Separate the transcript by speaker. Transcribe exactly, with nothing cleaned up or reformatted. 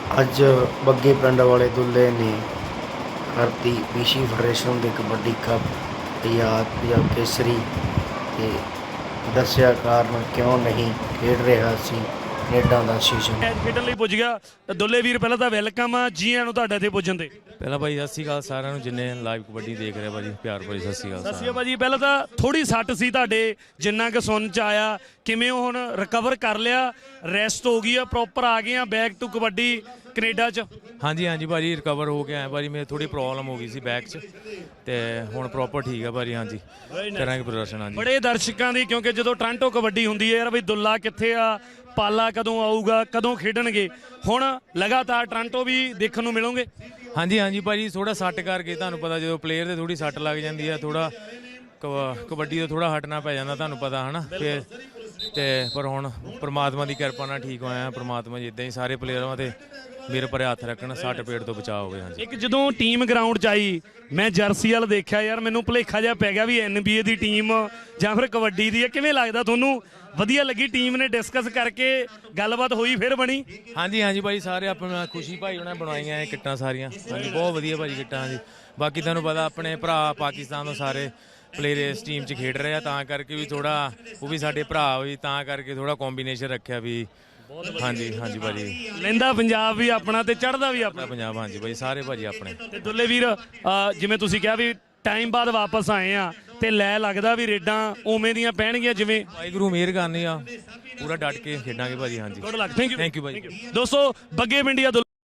Speaker 1: ਅੱਜ ਬੱਗੇ ਪਿੰਡ ਵਾਲੇ ਦੁੱਲੇ ਨੇ ਕਰਤੀ ਪੀਸੀ ਫੈਡਰੇਸ਼ਨ ਦੇ ਕਬੱਡੀ ਕੱਪ ਆਜ਼ਾਦ ਪੰਜਾਬ ਕੇਸਰੀ ਤੇ ਦੱਸਿਆ ਕਾਰਨ ਕਿਉਂ ਨਹੀਂ ਖੇਡ ਰਿਹਾ ਸੀ ਕੈਨੇਡਾ ਦਾ ਸੀਜ਼ਨ।
Speaker 2: ਮੈਚ ਖੇਡਣ ਲਈ ਪੁੱਜ ਗਿਆ। ਦੁੱਲੇ ਵੀਰ ਪਹਿਲਾਂ ਤਾਂ ਵੈਲਕਮ ਆ ਜੀ ਆਇਆਂ ਨੂੰ ਤੁਹਾਡੇ ਇੱਥੇ ਪੁੱਜਣ ਤੇ।
Speaker 3: ਪਹਿਲਾਂ ਭਾਈ ਸਤਿ ਸ਼੍ਰੀ ਅਕਾਲ ਸਾਰਿਆਂ ਨੂੰ ਜਿੰਨੇ ਲਾਈਵ ਕਬੱਡੀ ਦੇਖ ਰਹੇ ਭਾਜੀ, ਪਿਆਰ ਭਰੀ ਸਤਿ ਸ਼੍ਰੀ ਅਕਾਲ
Speaker 2: ਸਤਿ ਸ਼੍ਰੀ
Speaker 3: ਸਾਰਿਆਂ
Speaker 2: ਅਕਾਲ ਭਾਜੀ। ਪਹਿਲਾਂ ਤਾਂ ਥੋੜੀ ਸੱਟ ਸੀ ਤੁਹਾਡੇ, ਜਿੰਨਾ ਕਿ ਸੁਣ ਚ ਆਇਆ, ਕਿਵੇਂ ਉਹ ਹੁਣ ਰਿਕਵਰ ਕਰ ਲਿਆ, ਰੈਸਟ ਹੋ ਗਈ ਆ, ਪ੍ਰੋਪਰ ਆ ਗਏ ਆ ਬੈਕ ਟੂ ਕਬੱਡੀ ਕੈਨੇਡਾ ਚ?
Speaker 3: ਨੂੰ। ਹਾਂਜੀ ਹਾਂਜੀ ਭਾਜੀ, ਰਿਕਵਰ ਹੋ ਕੇ ਆਇਆ ਭਾਜੀ। ਮੇਰੇ ਥੋੜੀ ਪ੍ਰੋਬਲਮ ਹੋ ਗਈ ਸੀ ਬੈਕ 'ਚ ਤੇ ਹੁਣ ਪ੍ਰੋਪਰ ਠੀਕ ਆ ਭਾਜੀ। ਹਾਂਜੀ ਕਰਾਂਗੇ ਪ੍ਰਦਰਸ਼ਨ। ਹਾਂਜੀ
Speaker 2: ਬੜੇ ਦਰਸ਼ਕਾਂ ਦੀ, ਕਿਉਂਕਿ ਜਦੋਂ ਟੋਰਾਂਟੋ ਕਬੱਡੀ ਹੁੰਦੀ ਹੈ ਯਾਰ ਬਈ ਦੁੱਲਾ ਕਿੱਥੇ ਆ, ਪਾਲਾ ਕਦੋਂ ਆਊਗਾ, ਕਦੋਂ ਖੇਡਣਗੇ, ਹੁਣ ਲਗਾਤਾਰ ਟੋਰਾਂਟੋ ਵੀ ਦੇਖਣ ਨੂੰ ਮਿਲੋਗੇ।
Speaker 3: ਹਾਂਜੀ ਹਾਂਜੀ ਭਾਜੀ, ਥੋੜਾ ਸੱਟ ਕਰਕੇ ਤੁਹਾਨੂੰ ਪਤਾ ਜਦੋਂ ਪਲੇਅਰ ਦੇ ਥੋੜੀ ਸੱਟ ਲੱਗ ਜਾਂਦੀ ਆ, ਥੋੜਾ ਕਬੱਡੀ ਤੋਂ ਥੋੜਾ ਹਟਣਾ ਪੈ ਜਾਂਦਾ, ਤੁਹਾਨੂੰ ਪਤਾ ਹਨਾ। ਫਿਰ ਤੇ ਪਰ ਹੁਣ ਪ੍ਰਮਾਤਮਾ ਦੀ ਕਿਰਪਾ ਨਾਲ ਠੀਕ ਹੋਇਆ। ਪ੍ਰਮਾਤਮਾ ਜੀ ਇੱਦਾਂ ਹੀ ਸਾਰੇ ਪਲੇਅਰਾਂ ਤੇ ਮੇਰੇ ਪਰੇ ਹੱਥ ਰੱਖਣ, ਸੱਟ ਪੇਟ ਤੋਂ ਬਚਾਅ ਹੋਵੇ। ਹਾਂਜੀ
Speaker 2: ਇੱਕ ਜਦੋਂ ਟੀਮ ਗਰਾਊਂਡ 'ਚ ਆਈ, ਮੈਂ ਜਰਸੀ ਵਾਲ ਦੇਖਿਆ ਯਾਰ, ਮੈਨੂੰ ਭੁਲੇਖਾ ਜਿਹਾ ਪੈ ਗਿਆ ਵੀ N B A the team ਜਾਂ ਫਿਰ ਕਬੱਡੀ ਦੀ ਹੈ। ਕਿਵੇਂ ਲੱਗਦਾ ਤੁਹਾਨੂੰ? ਵਧੀਆ ਲੱਗੀ? ਟੀਮ ਨੇ ਡਿਸਕਸ ਕਰਕੇ ਗੱਲਬਾਤ ਹੋਈ ਫਿਰ ਬਣੀ?
Speaker 3: ਹਾਂਜੀ ਹਾਂਜੀ ਭਾਈ, ਸਾਰੇ ਆਪਣਾ ਖੁਸ਼ੀ ਭਾਈ ਉਹਨਾਂ ਬਣਵਾਈਆਂ ਇਹ ਕਿੱਟਾਂ ਸਾਰੀਆਂ। ਹਾਂਜੀ ਬਹੁਤ ਵਧੀਆ ਭਾਜੀ ਕਿੱਟਾਂ। ਹਾਂਜੀ ਬਾਕੀ ਤੁਹਾਨੂੰ ਪਤਾ ਆਪਣੇ ਭਰਾ ਪਾਕਿਸਤਾਨ ਤੋਂ ਸਾਰੇ ਪਲੇਅਰ ਇਸ ਟੀਮ 'ਚ ਖੇਡ ਰਹੇ ਆ, ਤਾਂ ਕਰਕੇ ਵੀ ਥੋੜਾ ਉਹ ਵੀ ਸਾਡੇ ਭਰਾ ਵੀ, ਤਾਂ ਕਰਕੇ ਥੋੜਾ ਕੰਬੀਨੇਸ਼ਨ ਰੱਖਿਆ ਵੀ। ਹਾਂਜੀ ਹਾਂਜੀ ਭਾਜੀ,
Speaker 2: ਲੈਂਦਾ ਪੰਜਾਬ ਵੀ ਆਪਣਾ ਤੇ ਚੜ੍ਹਦਾ ਵੀ ਆਪਣਾ
Speaker 3: ਪੰਜਾਬ। ਹਾਂਜੀ ਭਾਈ ਸਾਰੇ ਭਾਜੀ ਆਪਣੇ।
Speaker 2: ਤੇ ਦੁੱਲੇ ਵੀਰ, ਅਹ ਜਿਵੇਂ ਤੁਸੀਂ ਕਿਹਾ ਵੀ ਟਾਈਮ ਬਾਅਦ ਵਾਪਸ ਆਏ ਆ, ਤੇ ਲੈ ਲੱਗਦਾ ਵੀ ਰੇਡਾਂ ਉਵੇਂ ਦੀਆਂ ਪੈਣਗੀਆਂ ਜਿਵੇਂ?
Speaker 3: ਵਾਹਿਗੁਰੂ ਮਿਹਰ ਕਰਨੀ ਆ, ਪੂਰਾ ਡਟ ਕੇ ਖੇਡਾਂਗੇ ਭਾਜੀ। ਹਾਂਜੀ
Speaker 2: good luck. Thank you
Speaker 3: thank you ਭਾਜੀ।
Speaker 2: ਦੋਸਤੋ ਬੱਗੇ ਪਿੰਡੀਆ